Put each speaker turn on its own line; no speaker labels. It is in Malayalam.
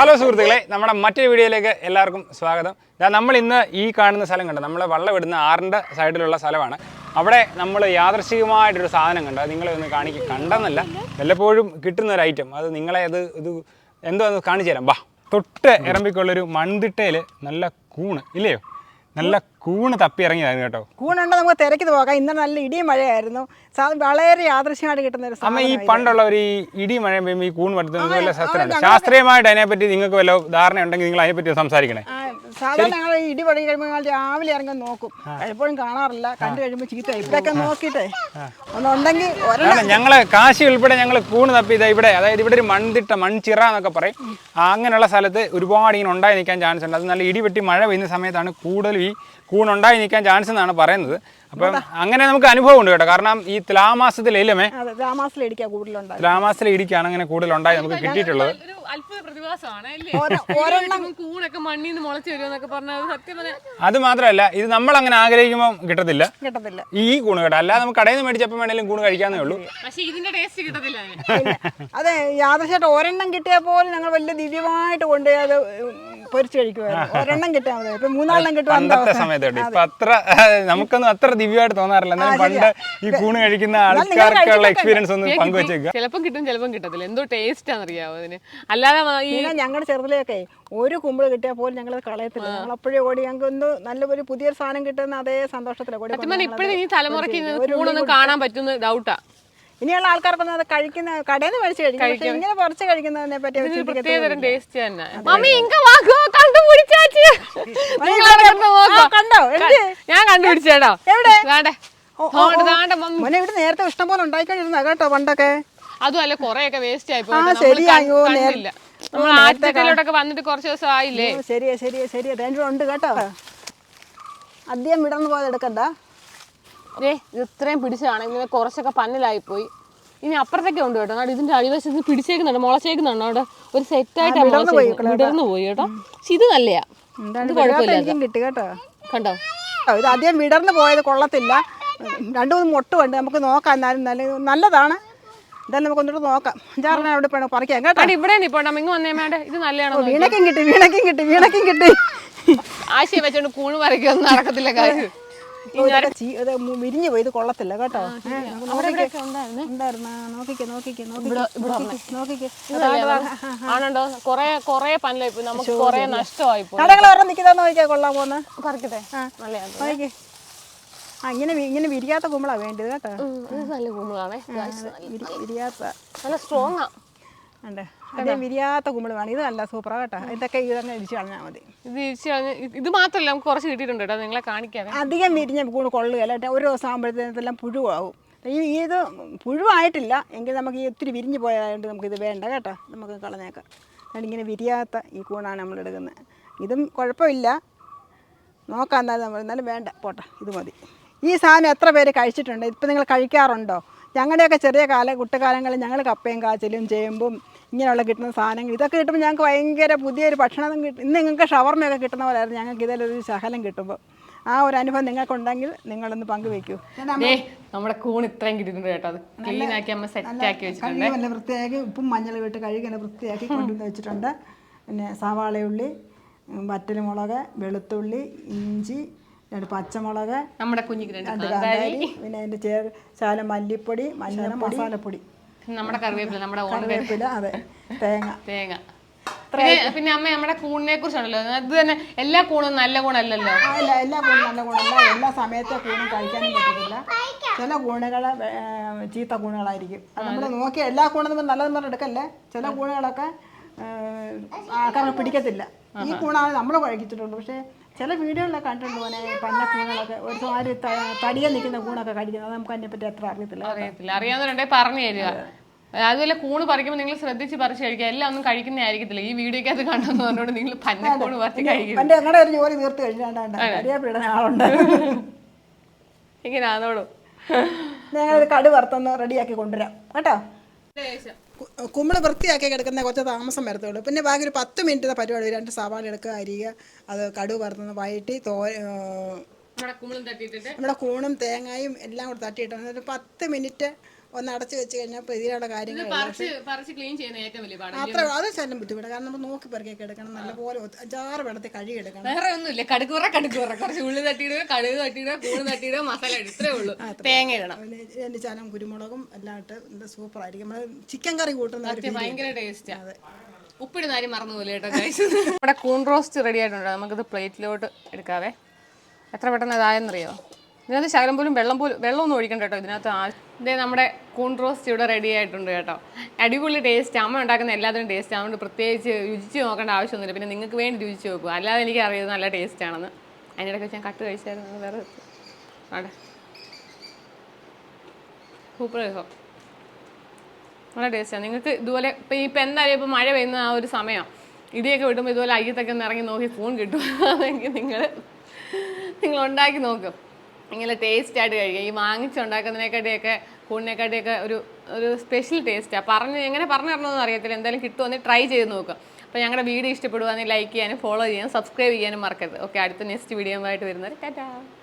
ഹലോ സുഹൃത്തുക്കളെ, നമ്മുടെ മറ്റൊരു വീഡിയോയിലേക്ക് എല്ലാവർക്കും സ്വാഗതം. നമ്മൾ ഇന്ന് ഈ കാണുന്ന സ്ഥലം കണ്ടു, നമ്മൾ വള്ളം ഇടുന്ന ആറിൻ്റെ സൈഡിലുള്ള സ്ഥലമാണ്. അവിടെ നമ്മൾ യാദൃശ്ചികമായിട്ടൊരു സാധനം കണ്ടു. അത് നിങ്ങളെ ഒന്ന് കണ്ടെന്നല്ല, വല്ലപ്പോഴും കിട്ടുന്ന ഒരു ഐറ്റം. അത് നിങ്ങളെ ഇത് എന്തോ ഒന്ന് കാണിച്ചു തരാം. ബാ, തൊട്ട് ഇറമ്പിക്കുള്ളൊരു മൺതിട്ടയിൽ നല്ല കൂണ് ഇല്ലയോ, നല്ല കൂണ് തപ്പി ഇറങ്ങിയതായിരുന്നു കേട്ടോ.
കൂണുണ്ടോ നമുക്ക് തിരക്കിത് പോകാം. ഇന്നലെ നല്ല ഇടിയും മഴയായിരുന്നു. വളരെ യാദൃശ്യമായിട്ട് കിട്ടുന്ന ഒരു
അമ്മ, ഈ പണ്ടുള്ള ഒരു ഇടി മഴ പെയ്യുമ്പോൾ ഈ കൂൺ പഠിത്തം വല്ല ശാസ്ത്രമുണ്ട്. ശാസ്ത്രീയമായിട്ട് അതിനെപ്പറ്റി നിങ്ങൾക്ക് വല്ല ധാരണ ഉണ്ടെങ്കിൽ നിങ്ങൾ അതിനെപ്പറ്റി സംസാരിക്കണേ.
സാധാരണ ഞങ്ങൾ ഇടി പഴകി കഴിയുമ്പോൾ രാവിലെ ഇറങ്ങാൻ നോക്കും. എപ്പോഴും കാണാറില്ല. കണ്ടു കഴിയുമ്പോൾ ചീത്ത ഇവിടെയൊക്കെ നോക്കിയിട്ടേ ഒന്നുണ്ടെങ്കിൽ
ഞങ്ങള് കാശി ഉൾപ്പെടെ ഞങ്ങൾ കൂണ് തപ്പി ഇവിടെ, അതായത് ഇവിടെ ഒരു മൺതിട്ട മൺചിറ എന്നൊക്കെ പറയും. അങ്ങനെയുള്ള സ്ഥലത്ത് ഒരുപാട് ഇങ്ങനെ ഉണ്ടായി നിൽക്കാൻ ചാൻസ് ഉണ്ട്. അത് നല്ല ഇടിവെട്ടി മഴ പെയ്യുന്ന സമയത്താണ് കൂടുതൽ ഈ കൂണുണ്ടായി നിൽക്കാൻ ചാൻസ് എന്നാണ് പറയുന്നത്. അപ്പം അങ്ങനെ നമുക്ക് അനുഭവം ഉണ്ട് കേട്ടോ. കാരണം ഈ തുലാമാസത്തിലേ തുലാമാസത്തിലെ ഇടിക്കാണ് അങ്ങനെ കൂടുതൽ ഉണ്ടായി നമുക്ക് കിട്ടിയിട്ടുള്ളത്. അത് മാത്രമല്ല, ഇത് നമ്മൾ അങ്ങനെ ആഗ്രഹിക്കുമ്പോൾ കിട്ടത്തില്ല ഈ കൂണ് കേട്ടോ. അല്ലാതെ നമുക്ക് കടയിൽ നിന്ന് മേടിച്ചപ്പം വേണേലും കൂണ് കഴിക്കാന്നേ ഉള്ളൂ.
അതെ, യാദൃശ്യമായിട്ട് ഒരെണ്ണം കിട്ടിയാൽ പോലും ഞങ്ങൾ വലിയ ദിവ്യമായിട്ട് കൊണ്ടുപോയി അത് പൊരിച്ചു കഴിക്കുമായിരുന്നു. ഒരെണ്ണം കിട്ടിയാൽ മതി. ഇപ്പൊ മൂന്നാലെണ്ണം കിട്ടും
പണ്ടത്തെ സമയത്തോട്ട്. ഇപ്പൊ അത്ര നമുക്കൊന്നും അത്ര ദിവ്യമായിട്ട് തോന്നാറില്ല. എന്നാലും പണ്ട് ഈ കൂണ് കഴിക്കുന്ന ആൾക്കാർക്കുള്ള എക്സ്പീരിയൻസ് ഒന്ന് പങ്കുവെച്ചേക്കുക.
ചിലപ്പം കിട്ടും, ചിലപ്പം കിട്ടത്തില്ല. എന്തോ ടേസ്റ്റ് ആണെന്നറിയാവോ അതിന്. അല്ലാതെ
ഞങ്ങളുടെ ചെറുതിലൊക്കെ ഒരു കുമ്പിള് കിട്ടിയാൽ പോലും ഞങ്ങളത് കളയത്തില്ല. ഞങ്ങൾ അപ്പോഴേ ഓടി ഞങ്ങൾക്ക് ഒന്ന് നല്ലൊരു പുതിയൊരു സാധനം കിട്ടുന്ന അതേ സന്തോഷത്തിലാണ്.
ഇപ്പോഴും ഈ തലമുറയ്ക്ക് കൂണൊന്നും കാണാൻ പറ്റുന്ന ഡൗട്ടാ.
ഇനിയുള്ള ആൾക്കാർക്കൊന്നും അത് കഴിക്കുന്ന കടയിൽ നിന്ന് മേടിച്ച് കഴിക്കും. ഇങ്ങനെ പറിച്ച് കഴിക്കുന്നതിനെ പറ്റി കണ്ടോ?
ഞാൻ കണ്ടുപിടിച്ചേട്ടോ.
മോനെ ഇവിടെ നേരത്തെ ഇഷ്ടം പോലെ ഉണ്ടായിക്കൊണ്ടിരുന്ന കേട്ടോ പണ്ടൊക്കെ.
അതുമല്ല, കൊറേയൊക്കെ വേസ്റ്റ് ആയി പോയി. നമ്മൾ ആറ്റിലോട്ടൊക്കെ വന്നിട്ട് കുറച്ച് ദിവസം ആയില്ലേ.
ശരിയാ രണ്ടും ഉണ്ട് കേട്ടോ. അധികം വിടർന്നു പോയത് എടുക്കണ്ട.
ഇത്രയും പിടിച്ചതാണ്. ഇങ്ങനെ കുറച്ചൊക്കെ പന്നലായിപ്പോയി. ഇനി അപ്പുറത്തൊക്കെ ഉണ്ട് കേട്ടോ. ഇതിന്റെ അടിവശത്ത് പിടിച്ചേക്കുന്നുണ്ട്, മുളച്ചേക്കുന്നുണ്ട്. അവിടെ ഒരു സെറ്റായിട്ട് വിടർന്നു പോയി കേട്ടോ. പക്ഷെ ഇത് നല്ലയാ, ഇത് കുഴപ്പമില്ല.
കിട്ടി കേട്ടോ.
കണ്ടോ,
ഇത് അധികം വിടർന്നു പോയത് കൊള്ളത്തില്ല. രണ്ടു മൂന്ന് മൊട്ടുമുണ്ട്, നമുക്ക് നോക്കാം. എന്നാലും നല്ലതാണ്. എന്തായാലും നമുക്ക് ഒന്നിട്ട് നോക്കാം. അഞ്ചാറിനെ അവിടെ പറിക്കാം കേട്ടോ.
ഇവിടെ ഇങ്ങ് വന്നേ വേണ്ട. ഇത് നല്ലതാണോ?
വീണക്കും കിട്ടി.
ആശയം വെച്ചോണ്ട് കൂണ് പറിക്കൊന്നും നടക്കത്തില്ല കാര്യം.
വിരിഞ്ഞു പോയി, ഇത് കൊള്ളത്തില്ല കേട്ടോ.
ആണോ? കൊറേ പനലായി പോയി, നമുക്ക് കൊറേ നഷ്ടമായി പോയി.
കടകൾ പറഞ്ഞ് നിൽക്കുന്ന നോക്കിയാ കൊള്ളാൻ പോകുന്ന
പറിക്കട്ടെ.
ഇങ്ങനെ വിരിയാത്ത കുമ്പളാ വേണ്ടത് കേട്ടോ.
നല്ല കുമ്പളാണേ,
വിരിയാത്ത
നല്ല സ്ട്രോങ് ആ.
അതേ വിരിയാത്ത കുമ്പള് വേണം. ഇത് നല്ല സൂപ്പറാ കേട്ടോ. ഇതൊക്കെ ഇതന്നെ ഇരിച്ചു കളഞ്ഞാൽ മതി.
ഇത് മാത്രമല്ല, നമുക്ക് കുറച്ച് കിട്ടിയിട്ടുണ്ട് കേട്ടോ, നിങ്ങളെ കാണിക്കാം.
അധികം വിരിഞ്ഞ കൂണ് കൊള്ളുകയല്ല കേട്ടോ. ഒരു ദിവസം ആകുമ്പോഴത്തേനെല്ലാം പുഴുവാകും. ഇത് പുഴുവായിട്ടില്ല എങ്കിൽ നമുക്ക് ഈ ഒത്തിരി വിരിഞ്ഞ് പോയതുകൊണ്ട് നമുക്കിത് വേണ്ട കേട്ടോ. നമുക്ക് കളഞ്ഞേക്കാം. അതുകൊണ്ട് ഇങ്ങനെ വിരിയാത്ത ഈ കൂണാണ് നമ്മൾ എടുക്കുന്നത്. ഇതും കുഴപ്പമില്ല, നോക്കാം. എന്നാലും വേണ്ട, പോട്ടെ, ഇത് മതി. ഈ സാധനം എത്ര പേര് കഴിച്ചിട്ടുണ്ട്? ഇപ്പം നിങ്ങൾ കഴിക്കാറുണ്ടോ? ഞങ്ങളുടെയൊക്കെ ചെറിയ കുട്ടിക്കാലങ്ങളിൽ ഞങ്ങൾ കപ്പയും കാച്ചിലും ചേമ്പും ഇങ്ങനെയുള്ള കിട്ടുന്ന സാധനങ്ങൾ ഇതൊക്കെ കിട്ടുമ്പോൾ ഞങ്ങൾക്ക് ഭയങ്കര പുതിയൊരു ഭക്ഷണം കിട്ടും. ഇന്ന് നിങ്ങൾക്ക് ഷവർമയൊക്കെ കിട്ടുന്ന പോലെയായിരുന്നു ഞങ്ങൾക്ക് ഇതിലൊരു ശകലം കിട്ടുമ്പോൾ. ആ ഒരു അനുഭവം നിങ്ങൾക്കുണ്ടെങ്കിൽ നിങ്ങളൊന്ന് പങ്കുവെക്കൂ.
നമ്മുടെ കൂൺ ഇത്രയും കിട്ടിയിട്ടുണ്ട് കേട്ടോ. അത് ക്ലീൻ ആക്കി അമ്മ സെറ്റ് ആക്കി വെച്ചിട്ടുണ്ട്.
നല്ല വൃത്തിയാക്കി ഉപ്പും മഞ്ഞളും ഇട്ട് കഴുകി നല്ല വൃത്തിയാക്കി കൊണ്ടുവന്ന് വെച്ചിട്ടുണ്ട്. പിന്നെ സവാളയുള്ളി, വറ്റൽമുളക്, വെളുത്തുള്ളി, ഇഞ്ചി, 2 പച്ചമുളക്,
നമ്മുടെ കുഞ്ഞിക്ക് 2
കാന്താരി, പിന്നെ അതിൻ്റെ ശകലം മല്ലിപ്പൊടി, മസാലപ്പൊടി,
നമ്മുടെ കറിവേപ്പില, നമ്മുടെ
കറിവേപ്പില, അതെ, തേങ്ങ.
പിന്നെ അമ്മ നമ്മുടെ കൂണിനെ കുറിച്ചാണല്ലോ. അത് തന്നെ എല്ലാ കൂണും നല്ല കൂണല്ലല്ലോ.
എല്ലാ കൂണും നല്ല കൂണല്ല. എല്ലാ സമയത്തെ കൂണും കഴിക്കാനും പറ്റത്തില്ല. ചില കൂണുകൾ ചീത്ത കൂണുകളായിരിക്കും. അത് നമ്മൾ നോക്കിയാൽ എല്ലാ കൂണും നല്ലതെന്ന് പറഞ്ഞ് എടുക്കല്ലേ. ചില കൂണുകളൊക്കെ ആൾക്കാർക്ക് പിടിക്കത്തില്ല. ഈ കൂണാണ് നമ്മൾ കഴിച്ചിട്ടുള്ളൂ. പക്ഷേ ചില വീഡിയോകളിലൊക്കെ കണ്ടിട്ടുണ്ട് പോലെ പന്ന കൂണുകളൊക്കെ ഒരുമാതിരി തടിയെ നിൽക്കുന്ന കൂണൊക്കെ കഴിക്കുന്നത്. അത് നമുക്ക് അതിനെപ്പറ്റി അത്ര അറിയത്തില്ല.
അറിയാവുന്നവരുണ്ടെ പറഞ്ഞു തരിക. അതുപോലെ കൂണ് പറിക്കുമ്പോൾ നിങ്ങൾ ശ്രദ്ധിച്ച് പറിച്ച് കഴിക്കുക. എല്ലാം ഒന്നും കഴിക്കുന്നതായിരിക്കത്തില്ല. ഈ വീഡിയോക്കകത്ത് കണ്ടെന്ന് പറഞ്ഞോണ്ട് നിങ്ങൾ പന്നക്കൂണ് പറിച്ച് കഴിക്കും.
ഞങ്ങളുടെ ഒരു ജോലി തീർത്ത് കഴിഞ്ഞാണ്ട് ആളുണ്ട്.
ഇങ്ങനെ ആണോളൂ.
ഞങ്ങളിത് കടു വറുത്തൊന്ന് റെഡിയാക്കി കൊണ്ടുവരാം കേട്ടോ. കുമ്പള് വൃത്തിയാക്കി കിടക്കുന്ന കുറച്ച് താമസം വരത്തുള്ളൂ. പിന്നെ ബാക്കി ഒരു 10 മിനിറ്റ് പരിപാടി. 2 സവാള എടുക്കുക, അരിയുക, അത് കടുക് വറുത്തൊന്ന് വഴറ്റി നമ്മുടെ കൂണും തേങ്ങയും എല്ലാം കൂടെ തട്ടിയിട്ട് ഒരു 10 മിനിറ്റ് ഒന്ന് അടച്ച് വെച്ച് കഴിഞ്ഞാൽ ഇപ്പോൾ ഇതിനുള്ള കാര്യങ്ങൾ
പറിച്ച് ക്ലീൻ ചെയ്യുന്ന ഏറ്റവും വലിയ പാടാണ്.
അത്ര അത് ശല്യം ബുദ്ധിമുട്ട്. കാരണം നമ്മൾ നോക്കി പെറുക്കിയൊക്കെ എടുക്കണം, നല്ലപോലെ 5-6 വെള്ളത്തിൽ കഴുകി എടുക്കണം.
വേറെ ഒന്നുമില്ല, കടുക്കൂറ കുറച്ച് ഉള്ളി തട്ടിയിടുക, കടുക് തട്ടിയിടുക, കൂണ് തട്ടിയിടുക, മസാല ഇത്രേ ഉള്ളൂ. തേങ്ങ ഇടണം,
എൻ്റെ ചാനം കുരുമുളകും എല്ലാം ഇട്ട് സൂപ്പറായിരിക്കും. നമ്മൾ ചിക്കൻ കറി കൂട്ടുന്ന
ഭയങ്കര ടേസ്റ്റാണ്. ഉപ്പിടുന്ന കാര്യം മറന്നുപോലെ കേട്ടോ. നമ്മുടെ കൂൺ റോസ്റ്റ് റെഡി ആയിട്ടുണ്ട്. നമുക്കിത് പ്ലേറ്റിലോട്ട് എടുക്കാവേ. എത്ര പെട്ടെന്ന് ഇതായെന്നറിയോ? ഇതിനകത്ത് ശകലം പോലും വെള്ളമൊന്നും ഒഴിക്കണ്ട കേട്ടോ ഇതിനകത്ത്. ഇതേ നമ്മുടെ കൂൺ റോസ്റ്റ് ഇവിടെ റെഡി ആയിട്ടുണ്ട് കേട്ടോ. അടിപൊളി ടേസ്റ്റ്. അമ്മ ഉണ്ടാക്കുന്ന എല്ലാത്തിനും ടേസ്റ്റ്. അതുകൊണ്ട് പ്രത്യേകിച്ച് രുചിച്ച് നോക്കേണ്ട ആവശ്യമൊന്നുമില്ല. പിന്നെ നിങ്ങൾക്ക് വേണ്ടി രുചിച്ച് നോക്കുക, അല്ലാതെ എനിക്ക് അറിയാം നല്ല ടേസ്റ്റ് ആണെന്ന്. അതിനിടയ്ക്ക് ഞാൻ കട്ട് കഴിച്ചായിരുന്നു. വേറെ അവിടെ സൂപ്പർ രസം, നല്ല ടേസ്റ്റാണ്. നിങ്ങൾക്ക് ഇതുപോലെ ഇപ്പം എന്തായാലും ഇപ്പം മഴ പെയ്യുന്ന ആ ഒരു സമയം ഇടിയൊക്കെ വിടുമ്പോൾ ഇതുപോലെ അയ്യത്തൊക്കെ ഒന്ന് ഇറങ്ങി നോക്കി കൂൺ കിട്ടും. അതെങ്കിൽ നിങ്ങൾ ഉണ്ടാക്കി നോക്കും. ഇങ്ങനെ ടേസ്റ്റായിട്ട് കഴിക്കുക. ഈ വാങ്ങിച്ചുണ്ടാക്കുന്നതിനെക്കാട്ടിയൊക്കെ കൂണിനെക്കാട്ടിയൊക്കെ ഒരു സ്പെഷ്യൽ ടേസ്റ്റാണ്. എങ്ങനെ പറഞ്ഞു തരണമെന്ന് അറിയത്തില്ല. എന്തായാലും കിട്ടുമെന്ന് ട്രൈ ചെയ്ത് നോക്കുക. അപ്പോൾ ഞങ്ങളുടെ വീഡിയോ ഇഷ്ടപ്പെടുകയാണെങ്കിൽ ലൈക്ക് ചെയ്യാനും ഫോളോ ചെയ്യാനും സബ്സ്ക്രൈബ് ചെയ്യാനും മറക്കരുത്. ഓക്കെ, അടുത്ത നെക്സ്റ്റ് വീഡിയോ ആയിട്ട് വരുന്നത്. ടാറ്റാ.